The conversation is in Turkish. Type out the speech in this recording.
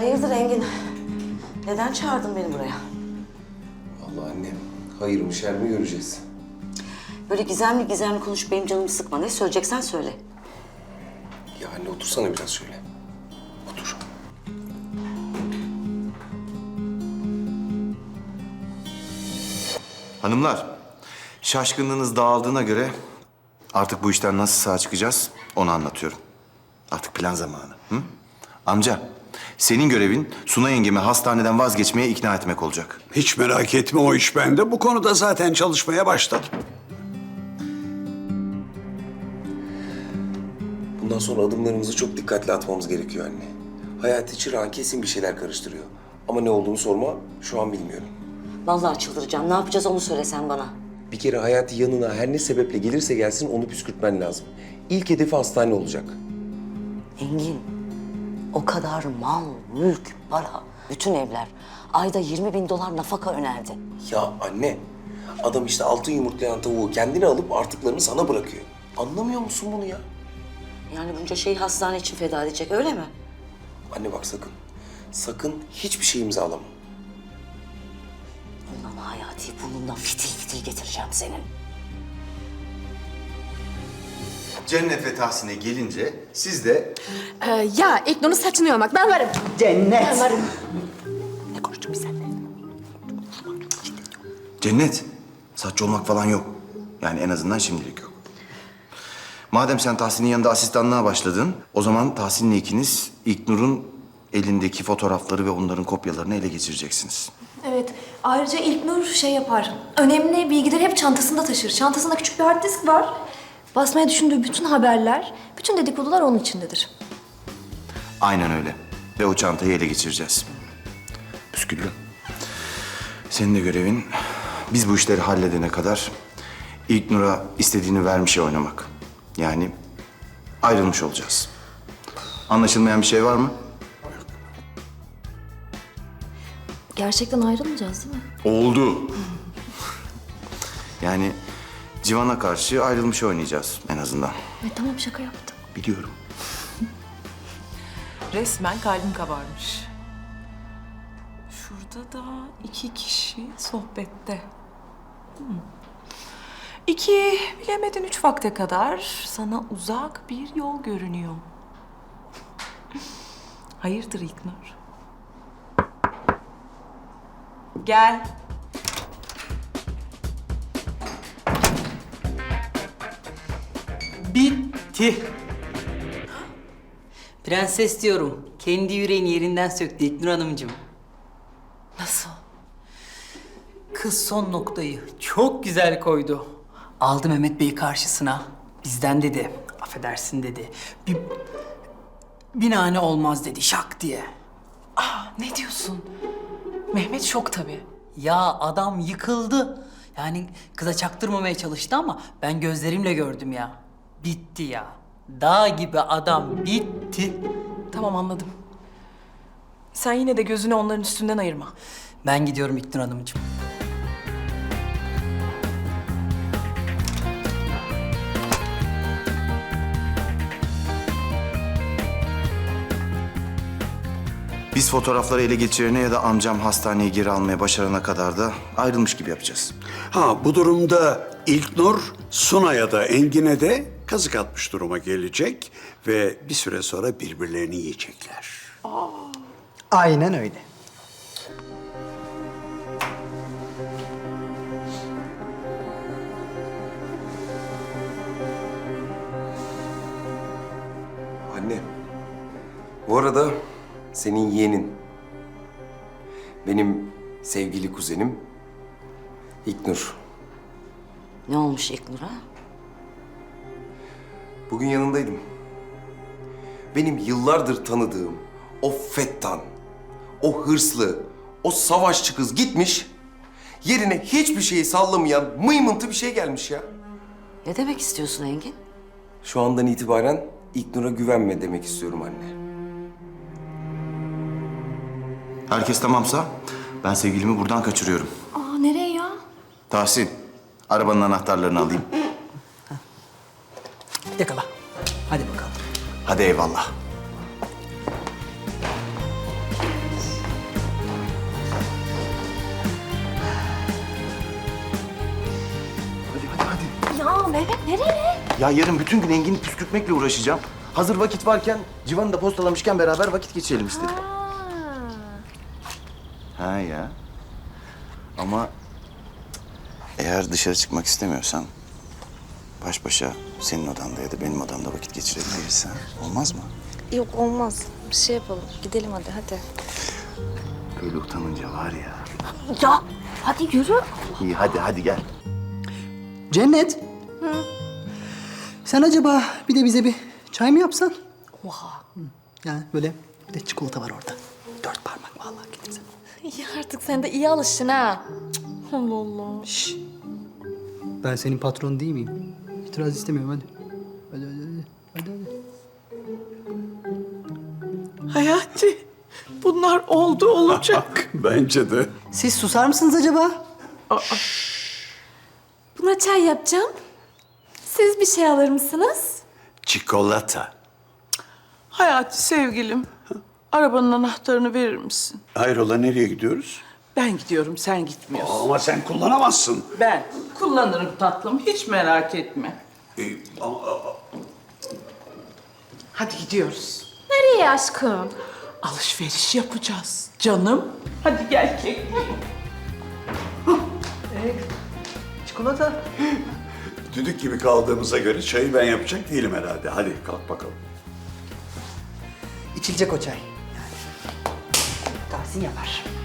Hayırdır Engin? Neden çağırdın beni buraya? Vallahi anne, hayır mı şer mi göreceğiz. Böyle gizemli gizemli konuşup benim canımı sıkma. Ne söyleyeceksen söyle. Ya anne otursana biraz şöyle. Otur. Hanımlar, şaşkınlığınız dağıldığına göre artık bu işten nasıl sağ çıkacağız onu anlatıyorum. Artık plan zamanı. Hı? Amca, senin görevin Suna yengemi hastaneden vazgeçmeye ikna etmek olacak. Hiç merak etme, o iş bende. Bu konuda zaten çalışmaya başladım. Bundan sonra adımlarımızı çok dikkatli atmamız gerekiyor anne. Hayati Çırağan kesin bir şeyler karıştırıyor. Ama ne olduğunu sorma, şu an bilmiyorum. Vallahi çıldıracağım. Ne yapacağız onu söylesen bana. Bir kere Hayati yanına her ne sebeple gelirse gelsin onu püskürtmen lazım. İlk hedefi hastane olacak. Engin, o kadar mal, mülk, para, bütün evler. Ayda 20.000 dolar nafaka önerdi. Ya anne, adam işte altın yumurtlayan tavuğu kendine alıp artıklarını sana bırakıyor. Anlamıyor musun bunu ya? Yani bunca şeyi hastane için feda edecek, öyle mi? Anne bak sakın. Sakın hiçbir şey imzalama. Ulan Hayati, burnundan fitil fitil getireceğim senin. Cennet ve Tahsin'e gelince siz de... Ya İlknur'un saçını yolmak. Ben varım. Cennet. Ben varım. Ne konuştuk biz seninle? Cennet, saççı olmak falan yok. Yani en azından şimdilik yok. Madem sen Tahsin'in yanında asistanlığa başladın, o zaman Tahsin'le ikiniz İlknur'un elindeki fotoğrafları ve onların kopyalarını ele geçireceksiniz. Evet. Ayrıca İlknur şey yapar. Önemli bilgileri hep çantasında taşır. Çantasında küçük bir hard disk var. Basmaya düşündüğü bütün haberler, bütün dedikodular onun içindedir. Aynen öyle. Ve o çantayı ele geçireceğiz. Püsküllü. Senin de görevin biz bu işleri halledene kadar İlknur'a istediğini vermişe oynamak. Yani ayrılmış olacağız. Anlaşılmayan bir şey var mı? Gerçekten ayrılmayacağız değil mi? Oldu. Yani Civan'a karşı ayrılmış oynayacağız en azından. Tamam, şaka yaptım. Biliyorum. Resmen kalbim kabarmış. Şurada da 2 kişi sohbette. 2, bilemedin 3 vakte kadar sana uzak bir yol görünüyor. Hayırdır İlknur? Gel. Bitti. Prenses diyorum. Kendi yüreğini yerinden söktü İlknur Hanımcığım. Nasıl? Kız son noktayı çok güzel koydu. Aldı Mehmet Bey'i karşısına. Bizden dedi. Affedersin dedi. Bir nane olmaz dedi şak diye. Ne diyorsun? Mehmet şok tabii. Ya adam yıkıldı. Yani kıza çaktırmamaya çalıştı ama ben gözlerimle gördüm ya. Bitti ya. Dağ gibi adam bitti. Tamam, anladım. Sen yine de gözünü onların üstünden ayırma. Ben gidiyorum İlknur Hanımcığım. Biz fotoğrafları ele geçirene ya da amcam hastaneye geri almaya başarana kadar da ayrılmış gibi yapacağız. Bu durumda İlknur, Suna'ya da Engin'e de kazık atmış duruma gelecek ve bir süre sonra birbirlerini yiyecekler. Aynen öyle. Anne, bu arada senin yeğenin, benim sevgili kuzenim İlknur. Ne olmuş İlknur'a? Bugün yanındaydım. Benim yıllardır tanıdığım o fettan, o hırslı, o savaşçı kız gitmiş, yerine hiçbir şeyi sallamayan mıymıntı bir şey gelmiş ya. Ne demek istiyorsun Engin? Şu andan itibaren İlknur'a güvenme demek istiyorum anne. Herkes tamamsa ben sevgilimi buradan kaçırıyorum. Nereye ya? Tahsin, arabanın anahtarlarını alayım. Yakala. Hadi bakalım. Hadi eyvallah. Mehmet nereye? Ya yarın bütün gün Engin'i püskürtmekle uğraşacağım. Hazır vakit varken, Civan'ı da postalamışken beraber vakit geçirelim istedim. Ha ya. Ama eğer dışarı çıkmak istemiyorsan baş başa senin odanda ya da benim odamda vakit geçirebiliriz, ha? Olmaz mı? Yok olmaz. Bir şey yapalım. Gidelim hadi. Böyle utanınca var ya. Ya hadi yürü. İyi hadi gel. Cennet. Sen acaba bir de bize bir çay mı yapsan? Oha. Yani böyle bir de çikolata var orada. 4 parmak vallahi getirsene. Ya artık sen de iyi alıştın ha. Allah Allah. Şş. Ben senin patron değil miyim? İtiraz istemiyorum hadi. Hadi. Hayati, bunlar oldu olacak. Bence de. Siz susar mısınız acaba? Buna çay yapacağım. Siz bir şey alır mısınız? Çikolata. Hayati sevgilim, arabanın anahtarını verir misin? Hayrola nereye gidiyoruz? Ben gidiyorum, sen gitmiyorsun. Ama sen kullanamazsın. Ben kullanırım tatlım, hiç merak etme. Hadi gidiyoruz. Nereye aşkım? Alışveriş yapacağız canım. Hadi gel kekliğim. Çikolata. Düdük gibi kaldığımıza göre çayı ben yapacak değilim herhalde. Hadi kalk bakalım. İçilecek o çay. Yani. Tahsin yapar.